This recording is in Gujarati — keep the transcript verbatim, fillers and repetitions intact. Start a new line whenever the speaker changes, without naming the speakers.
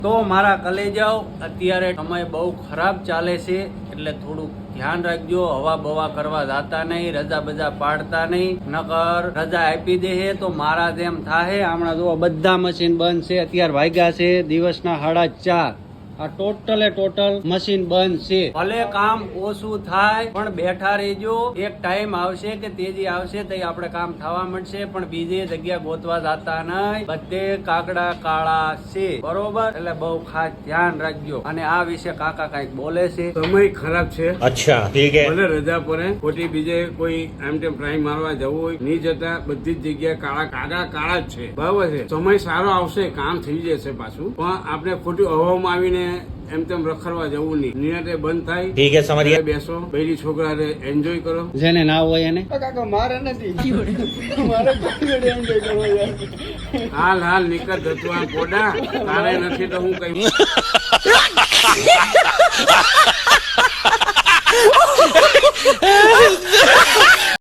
તો મારા કલેજાઓ અત્યારે સમય બહુ ખરાબ ચાલે છે એટલે થોડુંક ધ્યાન રાખજો. હવા બવા કરવા જાતા નહીં, રજા બજા પાડતા નહીં, નકર રજા આપી દે તો મારા જેમ થાય. હમણાં જો બધા મશીન બંધ છે. અત્યારે વાગ્યા છે દિવસના સાડા ચાર. આ ટોટલે ટોટલ મશીન બંધ છે. ભલે કામ ઓછું થાય પણ બેઠા રહેજો. એક ટાઈમ આવશે કે તેજી આવશે તો આપણે કામ થવા મળશે, પણ બીજી જગ્યા ગોતવા જતા નહીં. બધે કાકડા કાળા છે, બરોબર? એટલે બહુ ખાસ ધ્યાન રાખજો. અને આ વિશે કાકા કઈક બોલે છે.
સમય ખરાબ છે.
અચ્છા, ઠીક હે.
ભલે રજા પડે, ખોટી બીજે કોઈ આમ તેમ પ્રાઇમ મારવા જવું હોય નહીં જતા. બધી જ જગ્યાએ કાળા કાળા કાળા જ છે, બરાબર છે. સમય સારો આવશે, કામ થઈ જશે પાછું, પણ આપણે ખોટી હવામાં આવીને એમ તેમ રખડવા જવું નહીં. નિરાતે બંધ થાય,
ઠીક હે, સમજ ગયા.
બેસો, બૈરી છોકરા એન્જોય કરો.
જેને ના હોય એને
કાકા મારે નથી, મારે એન્જોય કરવો યાર. હાલ હાલ નીકળ ધતવા પોડા, તારે નથી તો હું કઈ